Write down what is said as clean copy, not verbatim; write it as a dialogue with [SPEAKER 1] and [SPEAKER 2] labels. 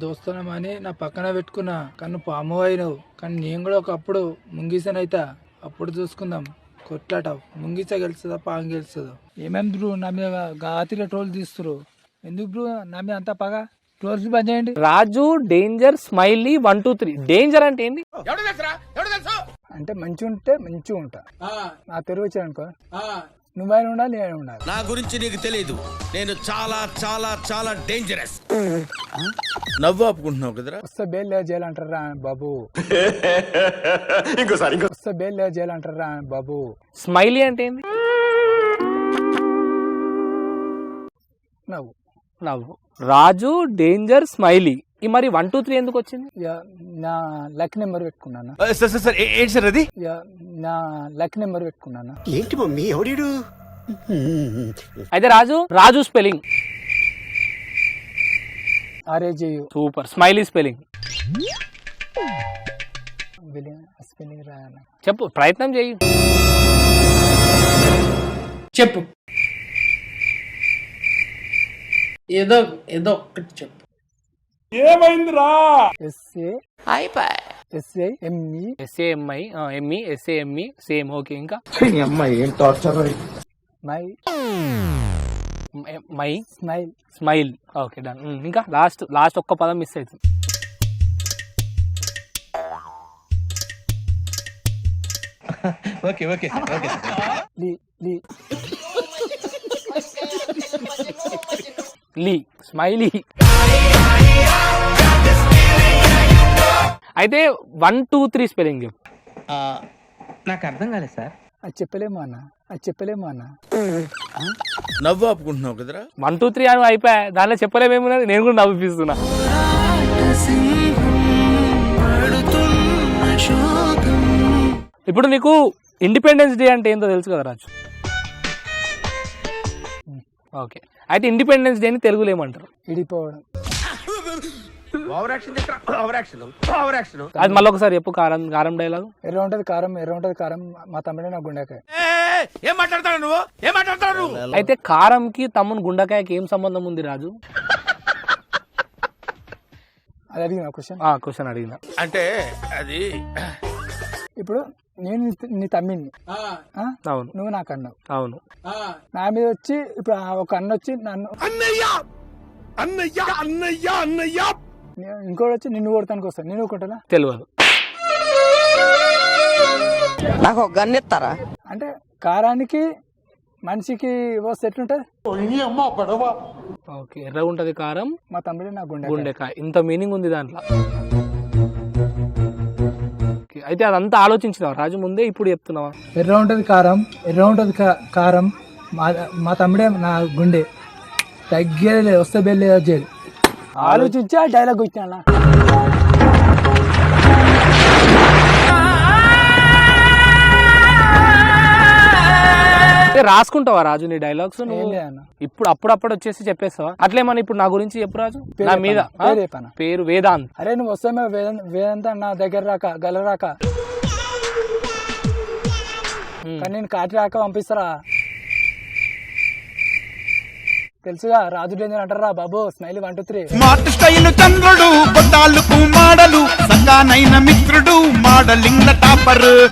[SPEAKER 1] దోస్తున్నామని నా పక్కన పెట్టుకున్నా కన్ను పాము అయినవు. కానీ నేను కూడా ఒకప్పుడు ముంగిసనైతా. అప్పుడు చూసుకుందాం కొట్లాట. ముంగిస గెలుస్తుందా పాము గెలుస్తుందా? ఏమేమి బ్రూ నా మీద గాతిలో ట్రోల్ తీస్తురు ఎందుకు బ్రూ? నా మీద అంతా పగ. ట్రోల్స్ బంద్ చేయండి.
[SPEAKER 2] రాజు డేంజర్ స్మైలీ 1 2 3. డేంజర్ అంటే ఏంది?
[SPEAKER 1] అంటే మంచిగా ఉంటే మంచిగా ఉంటా. నా తెరువు వచ్చాను అనుకో, నువ్వైనా ఉండాలి నేను ఉండాలి.
[SPEAKER 3] నా గురించి నీకు తెలియదు, నేను చాలా చాలా చాలా డేంజరస్. నవ్వు ఆపుకుంటున్నావు కదరా.
[SPEAKER 1] వస్తే బెయిల్ లేదు చేయాలంటారా బాబు? వస్తే బెయిల్ లేదు చేయాలంటారా బాబు?
[SPEAKER 2] స్మైలీ అంటే ఏంది?
[SPEAKER 1] నవ్వు.
[SPEAKER 2] నవ్వు. Raju danger smiley. ఈ మరి 1 2 3 ఎందుకు వచ్చింది?
[SPEAKER 1] నా లక్ నెంబర్ పెట్టుకున్నాను.
[SPEAKER 3] ఏంటి సార్ అది?
[SPEAKER 1] నా లక్ నెంబర్ పెట్టుకున్నాను.
[SPEAKER 4] ఏంటి మమ్మీ ఎవడీడు?
[SPEAKER 2] అయితే Raju spelling
[SPEAKER 1] RAJU.
[SPEAKER 2] Super. Smiley spelling
[SPEAKER 1] spelling రాయాలి.
[SPEAKER 2] చెప్పు, ప్రయత్నం చేయి.
[SPEAKER 5] చెప్పు, ఏదో ఒక్కటి చెప్పు.
[SPEAKER 1] SAME
[SPEAKER 2] SAME same. ఓకే, ఇంకా మై స్మైల్. Okay, done. ఇంకా లాస్ట్ ఒక్క పదం మిస్ అవుతుంది. లీ. స్మైలీ. అయితే 1 2 3 స్పెల్లింగ్ చెప్పు.
[SPEAKER 5] నాకు అర్థం కాలేదు సార్.
[SPEAKER 1] అది చెప్పలేము అన్న.
[SPEAKER 3] నవ్వు ఆపుకుంటున్నావు కదరా.
[SPEAKER 2] 1 2 3 అని అయిపోయా. దానిలో చెప్పలేమేమున్నది, నేను కూడా నవ్విస్తున్నా. ఇప్పుడు నీకు ఇండిపెండెన్స్ డే అంటే ఏంటో తెలుసు కదా రాజు? ఓకే, అయితే ఇండిపెండెన్స్ డే ని తెలుగులో ఏమంటారు?
[SPEAKER 1] ఇడిపోవడం.
[SPEAKER 2] అది మళ్ళీ ఒకసారి చెప్పు. కారం డైలాగ్.
[SPEAKER 1] ఎర్ర ఉంటది కారం మా తమ్ముడే నా గుండెకాయ.
[SPEAKER 3] ఏం మాట్లాడతాడు నువ్వు?
[SPEAKER 2] అయితే కారంకి తమ్ముని గుండెకాయకి ఏం సంబంధం ఉంది రాజు?
[SPEAKER 1] అది అడిగిన
[SPEAKER 2] క్వశ్చన్ అడిగిన.
[SPEAKER 3] అంటే అది
[SPEAKER 1] ఇప్పుడు నేను నీ తమ్మిని,
[SPEAKER 2] అవును,
[SPEAKER 1] నువ్వు నాకు అన్నావు.
[SPEAKER 2] అవును.
[SPEAKER 1] నా మీద వచ్చి ఇప్పుడు ఒక అన్న వచ్చి నన్ను ఇంకోటి వచ్చి నిన్ను కొడతానికి వస్తాను. నేను కొట్టనా?
[SPEAKER 2] తెలియదు.
[SPEAKER 5] నాకు ఒక గన్ ఇస్తారా?
[SPEAKER 1] అంటే కారానికి మనిషికి వస్తే ఎట్లుంటది?
[SPEAKER 2] ఓకే, ఎర్ర ఉంటది కారం,
[SPEAKER 1] మా తమ్ముడే నా
[SPEAKER 2] గుండెకాయ. ఇంత మీనింగ్ ఉంది దాంట్లో. అయితే అదంతా ఆలోచించినావా రాజు ముందే, ఇప్పుడు చెప్తున్నావా?
[SPEAKER 1] ఎర్ర ఉంటది కారం మా తమ్ముడే నా గుండె. తగ్గేది వస్తే బెల్లి జైలు. ఆలోచించి ఆ డైలాగ్ వచ్చినా.
[SPEAKER 2] రాసుకుంటావా రాజు నీ డైలాగ్స్? ఇప్పుడు అప్పుడప్పుడు వచ్చేసి చెప్పేస్తావా? అట్లేమన్నా ఇప్పుడు నా గురించి చెప్పు రాజు. నా మీద పేరు వేదాంత్.
[SPEAKER 1] అరే నువ్వు వస్తే వేదాంత నా దగ్గర రాక గలరాక, కానీ నేను కాటి రాక పంపిస్తారా? తెలుసుగా రాజు డేంజర్ అంటారా బాబు. స్మైలీ 1 2 3.
[SPEAKER 6] స్మార్ట్ స్టైల్ చంద్రుడు, కొట్టాలకు మాడలు, సగానైన మిత్రుడు, మోడలింగ్ టాపర్.